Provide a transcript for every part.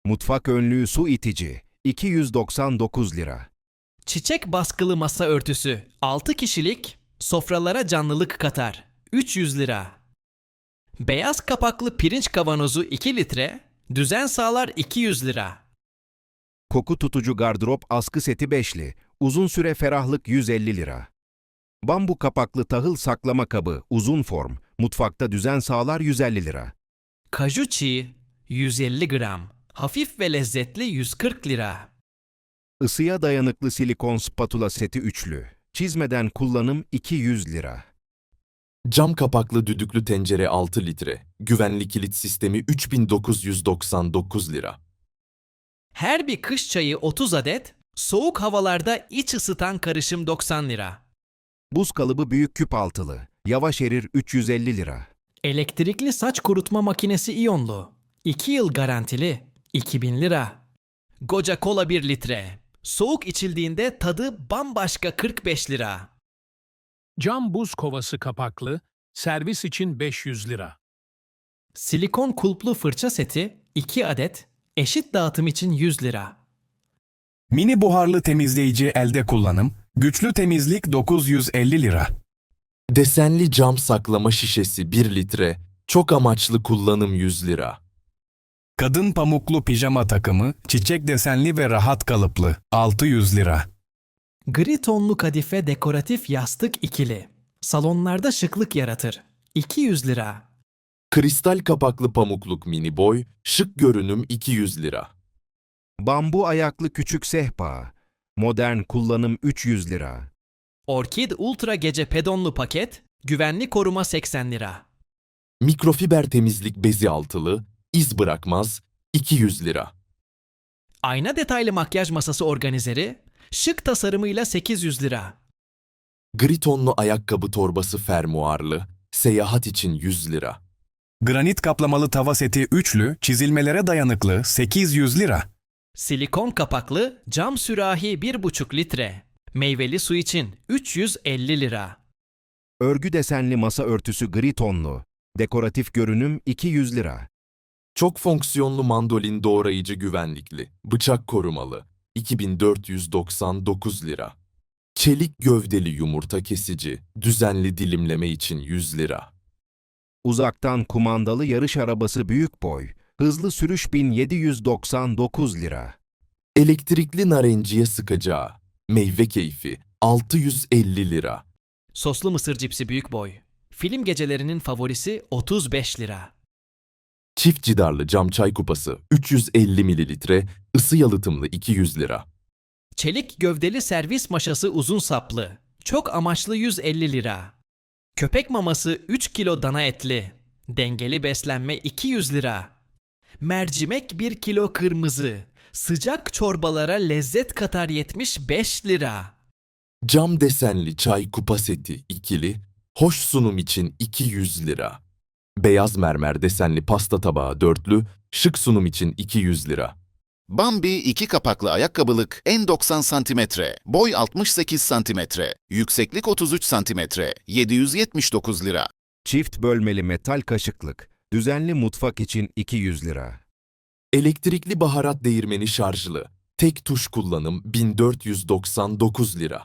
Mutfak önlüğü su itici 299 lira. Çiçek baskılı masa örtüsü 6 kişilik, sofralara canlılık katar 300 lira. Beyaz kapaklı pirinç kavanozu 2 litre, düzen sağlar 200 lira. Koku tutucu gardırop askı seti beşli, uzun süre ferahlık 150 lira. Bambu kapaklı tahıl saklama kabı uzun form, mutfakta düzen sağlar 150 lira. Kaju çiğ 150 gram, hafif ve lezzetli 140 lira. Isıya dayanıklı silikon spatula seti üçlü, çizmeden kullanım 200 lira. Cam kapaklı düdüklü tencere 6 litre. Güvenli kilit sistemi 3999 lira. Her bir kış çayı 30 adet, soğuk havalarda iç ısıtan karışım 90 lira. Buz kalıbı büyük küp altılı, yavaş erir 350 lira. Elektrikli saç kurutma makinesi iyonlu, 2 yıl garantili, 2000 lira. Goca kola 1 litre, soğuk içildiğinde tadı bambaşka 45 lira. Cam buz kovası kapaklı, servis için 500 lira. Silikon kulplu fırça seti 2 adet, eşit dağıtım için 100 lira. Mini buharlı temizleyici elde kullanım, güçlü temizlik 950 lira. Desenli cam saklama şişesi 1 litre. Çok amaçlı kullanım 100 lira. Kadın pamuklu pijama takımı, çiçek desenli ve rahat kalıplı, 600 lira. Gri tonlu kadife dekoratif yastık ikili, salonlarda şıklık yaratır, 200 lira. Kristal kapaklı pamukluk mini boy, şık görünüm 200 lira. Bambu ayaklı küçük sehpa, modern kullanım 300 lira. Orkid Ultra Gece Pedonlu paket, güvenli koruma 80 lira. Mikrofiber temizlik bezi altılı, iz bırakmaz 200 lira. Ayna detaylı makyaj masası organizeri, şık tasarımıyla 800 lira. Gri tonlu ayakkabı torbası fermuarlı, seyahat için 100 lira. Granit kaplamalı tava seti üçlü, çizilmelere dayanıklı, 800 lira. Silikon kapaklı cam sürahi 1,5 litre, meyveli su için 350 lira. Örgü desenli masa örtüsü gri tonlu, dekoratif görünüm 200 lira. Çok fonksiyonlu mandolin doğrayıcı güvenlikli, bıçak korumalı, 2499 lira. Çelik gövdeli yumurta kesici, düzenli dilimleme için 100 lira. Uzaktan kumandalı yarış arabası büyük boy, hızlı sürüş 1799 lira. Elektrikli narenciye sıkacağı, meyve keyfi, 650 lira. Soslu mısır cipsi büyük boy, film gecelerinin favorisi 35 lira. Çift cidarlı cam çay kupası, 350 mililitre, ısı yalıtımlı 200 lira. Çelik gövdeli servis maşası uzun saplı, çok amaçlı 150 lira. Köpek maması 3 kilo dana etli, dengeli beslenme 200 lira. Mercimek 1 kilo kırmızı, sıcak çorbalara lezzet katar 75 lira. Cam desenli çay kupa seti ikili, hoş sunum için 200 lira. Beyaz mermer desenli pasta tabağı dörtlü, şık sunum için 200 lira. Bambi 2 kapaklı ayakkabılık en 90 cm, boy 68 cm, yükseklik 33 cm, 779 lira. Çift bölmeli metal kaşıklık, düzenli mutfak için 200 lira. Elektrikli baharat değirmeni şarjlı, tek tuş kullanım 1499 lira.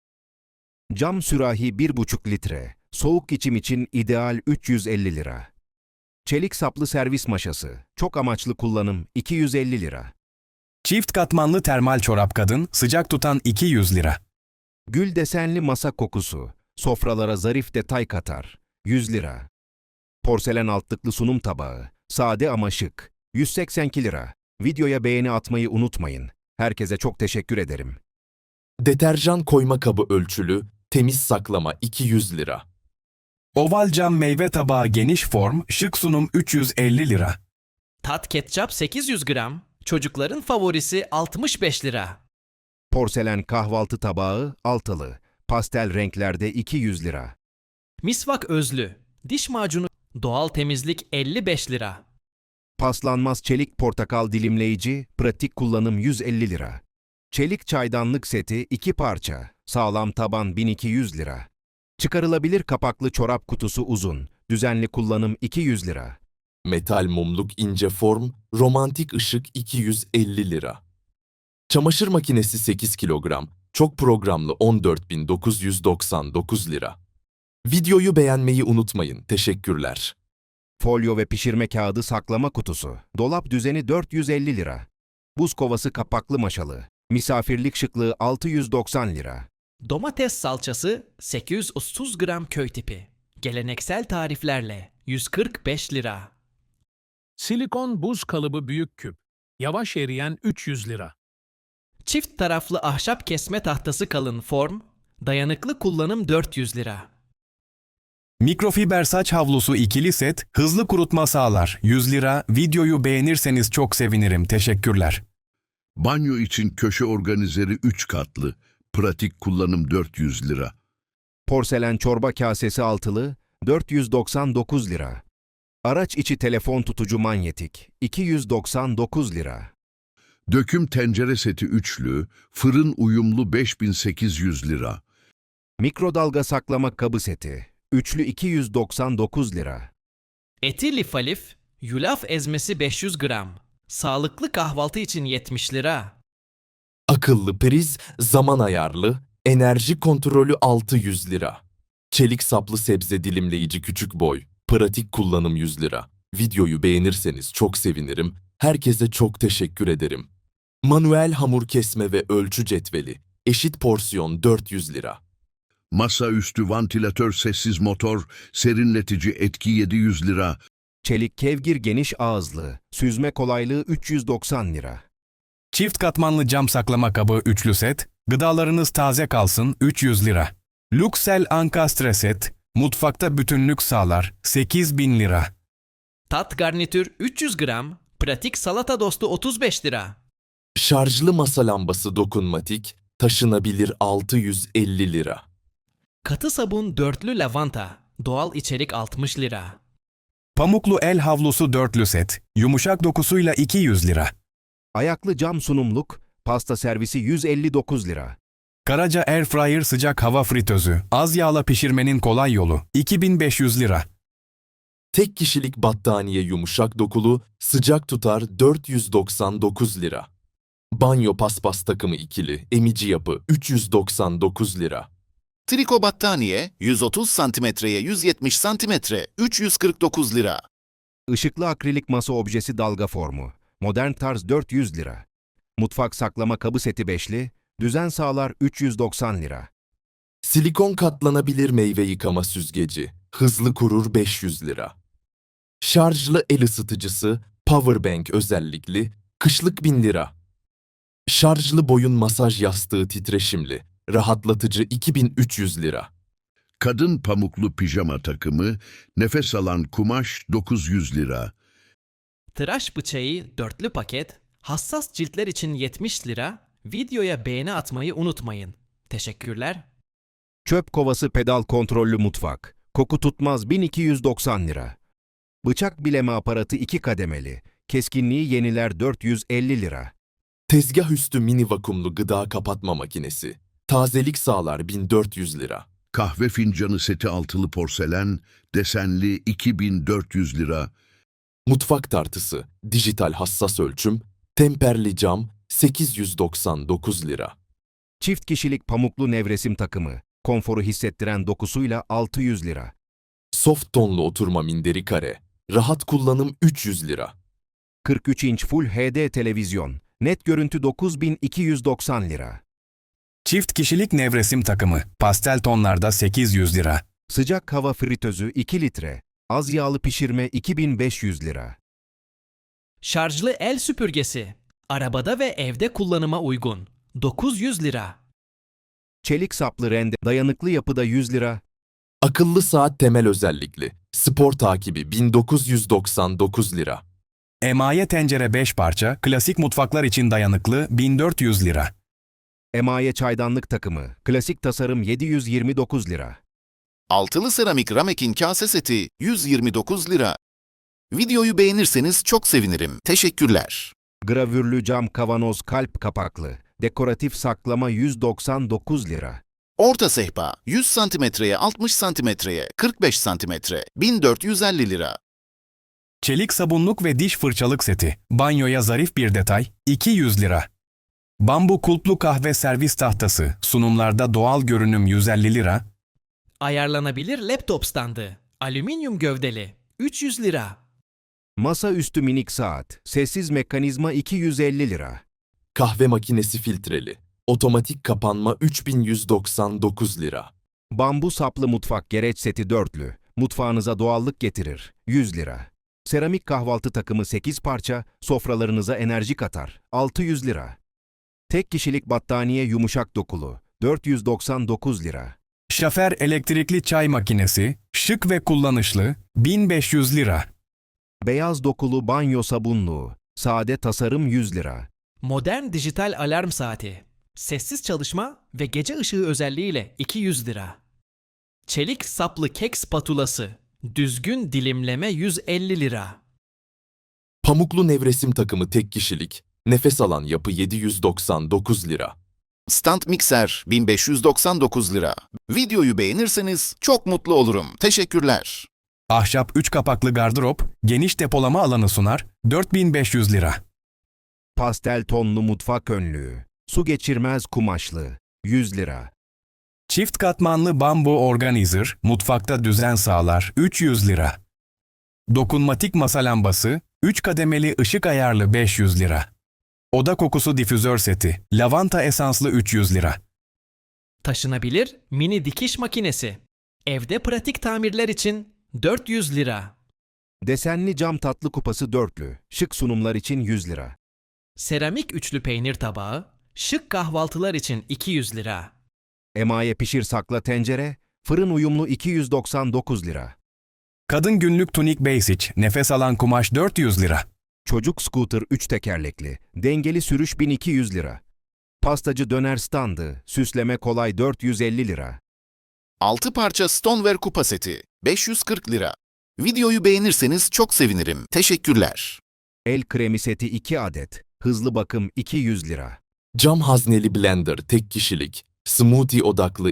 Cam sürahi 1,5 litre, soğuk içim için ideal 350 lira. Çelik saplı servis maşası, çok amaçlı kullanım 250 lira. Çift katmanlı termal çorap kadın, sıcak tutan 200 lira. Gül desenli masa kokusu, sofralara zarif detay katar 100 lira. Porselen altlıklı sunum tabağı, sade ama şık 182 lira. Videoya beğeni atmayı unutmayın. Herkese çok teşekkür ederim. Deterjan koyma kabı ölçülü, temiz saklama 200 lira. Oval cam meyve tabağı geniş form, şık sunum 350 lira. Tat ketçap 800 gram, çocukların favorisi 65 lira. Porselen kahvaltı tabağı altılı, pastel renklerde 200 lira. Misvak özlü, diş macunu doğal temizlik 55 lira. Paslanmaz çelik portakal dilimleyici, pratik kullanım 150 lira. Çelik çaydanlık seti 2 parça, sağlam taban 1200 lira. Çıkarılabilir kapaklı çorap kutusu uzun, düzenli kullanım 200 lira. Metal mumluk ince form, romantik ışık 250 lira. Çamaşır makinesi 8 kilogram, çok programlı 14.999 lira. Videoyu beğenmeyi unutmayın. Teşekkürler. Folyo ve pişirme kağıdı saklama kutusu. Dolap düzeni 450 lira. Buz kovası kapaklı maşalı. Misafirlik şıklığı 690 lira. Domates salçası 830 gram köy tipi. Geleneksel tariflerle 145 lira. Silikon buz kalıbı büyük küp. Yavaş eriyen 300 lira. Çift taraflı ahşap kesme tahtası kalın form, dayanıklı kullanım 400 lira. Mikrofiber saç havlusu ikili set, hızlı kurutma sağlar. 100 lira. Videoyu beğenirseniz çok sevinirim. Teşekkürler. Banyo için köşe organizeri 3 katlı. Pratik kullanım 400 lira. Porselen çorba kasesi altılı 499 lira. Araç içi telefon tutucu manyetik 299 lira. Döküm tencere seti üçlü, fırın uyumlu 5800 lira. Mikrodalga saklama kabı seti üçlü 299 lira. Eti lifalif, yulaf ezmesi 500 gram. Sağlıklı kahvaltı için 70 lira. Akıllı priz, zaman ayarlı, enerji kontrolü 600 lira. Çelik saplı sebze dilimleyici küçük boy, pratik kullanım 100 lira. Videoyu beğenirseniz çok sevinirim. Herkese çok teşekkür ederim. Manuel hamur kesme ve ölçü cetveli, eşit porsiyon 400 lira. Masaüstü vantilatör sessiz motor, serinletici etki 700 lira. Çelik kevgir geniş ağızlı, süzme kolaylığı 390 lira. Çift katmanlı cam saklama kabı üçlü set, gıdalarınız taze kalsın 300 lira. Luxel ankastre set, mutfakta bütünlük sağlar 8000 lira. Tat garnitür 300 gram, pratik salata dostu 35 lira. Şarjlı masa lambası dokunmatik, taşınabilir 650 lira. Katı sabun dörtlü lavanta, doğal içerik 60 lira. Pamuklu el havlusu dörtlü set, yumuşak dokusuyla 200 lira. Ayaklı cam sunumluk, pasta servisi 159 lira. Karaca Airfryer sıcak hava fritözü, az yağla pişirmenin kolay yolu, 2500 lira. Tek kişilik battaniye yumuşak dokulu, sıcak tutar 499 lira. Banyo paspas takımı ikili, emici yapı 399 lira. Triko battaniye 130 santimetreye 170 santimetre 349 lira. Işıklı akrilik masa objesi dalga formu, modern tarz 400 lira. Mutfak saklama kabı seti beşli, düzen sağlar 390 lira. Silikon katlanabilir meyve yıkama süzgeci, hızlı kurur 500 lira. Şarjlı el ısıtıcısı, powerbank özellikli, kışlık 1000 lira. Şarjlı boyun masaj yastığı titreşimli, rahatlatıcı 2300 lira. Kadın pamuklu pijama takımı, nefes alan kumaş 900 lira. Tıraş bıçağı dörtlü paket, hassas ciltler için 70 lira. Videoya beğeni atmayı unutmayın. Teşekkürler. Çöp kovası pedal kontrollü mutfak, koku tutmaz 1290 lira. Bıçak bileme aparatı 2 kademeli, keskinliği yeniler 450 lira. Tezgah üstü mini vakumlu gıda kapatma makinesi, tazelik sağlar 1400 lira. Kahve fincanı seti altılı porselen, desenli 2400 lira. Mutfak tartısı, dijital hassas ölçüm, temperli cam 899 lira. Çift kişilik pamuklu nevresim takımı, konforu hissettiren dokusuyla 600 lira. Soft tonlu oturma minderi kare, rahat kullanım 300 lira. 43 inç Full HD televizyon, net görüntü 9290 lira. Çift kişilik nevresim takımı, pastel tonlarda 800 lira. Sıcak hava fritözü 2 litre, az yağlı pişirme 2500 lira. Şarjlı el süpürgesi, arabada ve evde kullanıma uygun. 900 lira. Çelik saplı rende, dayanıklı yapıda 100 lira. Akıllı saat temel özellikli, spor takibi 1999 lira. Emaye tencere 5 parça, klasik mutfaklar için dayanıklı 1400 lira. Emaye çaydanlık takımı, klasik tasarım 729 lira. Altılı seramik ramekin kase seti 129 lira. Videoyu beğenirseniz çok sevinirim. Teşekkürler. Gravürlü cam kavanoz kalp kapaklı, dekoratif saklama 199 lira. Orta sehpa 100 santimetreye 60 santimetreye 45 santimetre 1450 lira. Çelik sabunluk ve diş fırçalık seti. Banyoya zarif bir detay. 200 lira. Bambu kulplu kahve servis tahtası. Sunumlarda doğal görünüm 150 lira. Ayarlanabilir laptop standı. Alüminyum gövdeli. 300 lira. Masaüstü minik saat, sessiz mekanizma 250 lira. Kahve makinesi filtreli. Otomatik kapanma 3199 lira. Bambu saplı mutfak gereç seti dörtlü, mutfağınıza doğallık getirir, 100 lira. Seramik kahvaltı takımı 8 parça, sofralarınıza enerji katar, 600 lira. Tek kişilik battaniye yumuşak dokulu, 499 lira. Şafer elektrikli çay makinesi. Şık ve kullanışlı. 1500 lira. Beyaz dokulu banyo sabunluğu, sade tasarım 100 lira. Modern dijital alarm saati. Sessiz çalışma ve gece ışığı özelliğiyle 200 lira. Çelik saplı kek spatulası. Düzgün dilimleme 150 lira. Pamuklu nevresim takımı tek kişilik. Nefes alan yapı 799 lira. Stand mikser 1599 lira. Videoyu beğenirseniz çok mutlu olurum. Teşekkürler. Ahşap 3 kapaklı gardırop. Geniş depolama alanı sunar. 4500 lira. Pastel tonlu mutfak önlüğü, su geçirmez kumaşlı, 100 lira. Çift katmanlı bambu organizer. Mutfakta düzen sağlar. 300 lira. Dokunmatik masa lambası. 3 kademeli ışık ayarlı 500 lira. Oda kokusu difüzör seti. Lavanta esanslı 300 lira. Taşınabilir mini dikiş makinesi. Evde pratik tamirler için 400 lira. Desenli cam tatlı kupası dörtlü, şık sunumlar için 100 lira. Seramik üçlü peynir tabağı, şık kahvaltılar için 200 lira. Emaye pişir sakla tencere, fırın uyumlu 299 lira. Kadın günlük tunik basic. Nefes alan kumaş 400 lira. Çocuk scooter 3 tekerlekli, dengeli sürüş 1200 lira. Pastacı döner standı, süsleme kolay 450 lira. 6 parça stoneware kupa seti 540 lira. Videoyu beğenirseniz çok sevinirim. Teşekkürler. El kremi seti 2 adet, hızlı bakım 200 lira. Cam hazneli blender tek kişilik. Smoothie odaklı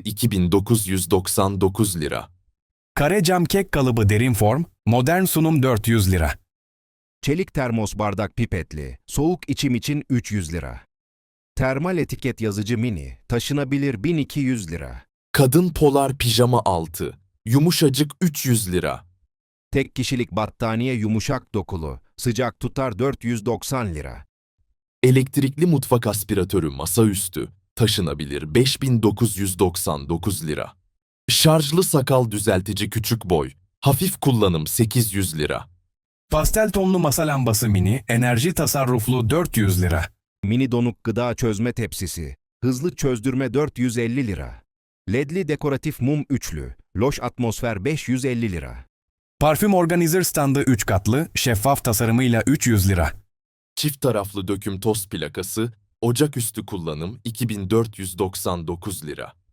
2999 lira. Kare cam kek kalıbı derin form. Modern sunum 400 lira. Çelik termos bardak pipetli, soğuk içim için 300 lira. Termal etiket yazıcı mini, taşınabilir 1200 lira. Kadın polar pijama altı. Yumuşacık 300 lira. Tek kişilik battaniye yumuşak dokulu, sıcak tutar 490 lira. Elektrikli mutfak aspiratörü masaüstü. Taşınabilir 5999 lira. Şarjlı sakal düzeltici küçük boy. Hafif kullanım 800 lira. Pastel tonlu masa lambası mini. Enerji tasarruflu 400 lira. Mini donuk gıda çözme tepsisi, hızlı çözdürme 450 lira. Ledli dekoratif mum üçlü, loş atmosfer 550 lira. Parfüm organizer standı 3 katlı. Şeffaf tasarımıyla 300 lira. Çift taraflı döküm toz plakası. Ocaküstü kullanım 2499 lira.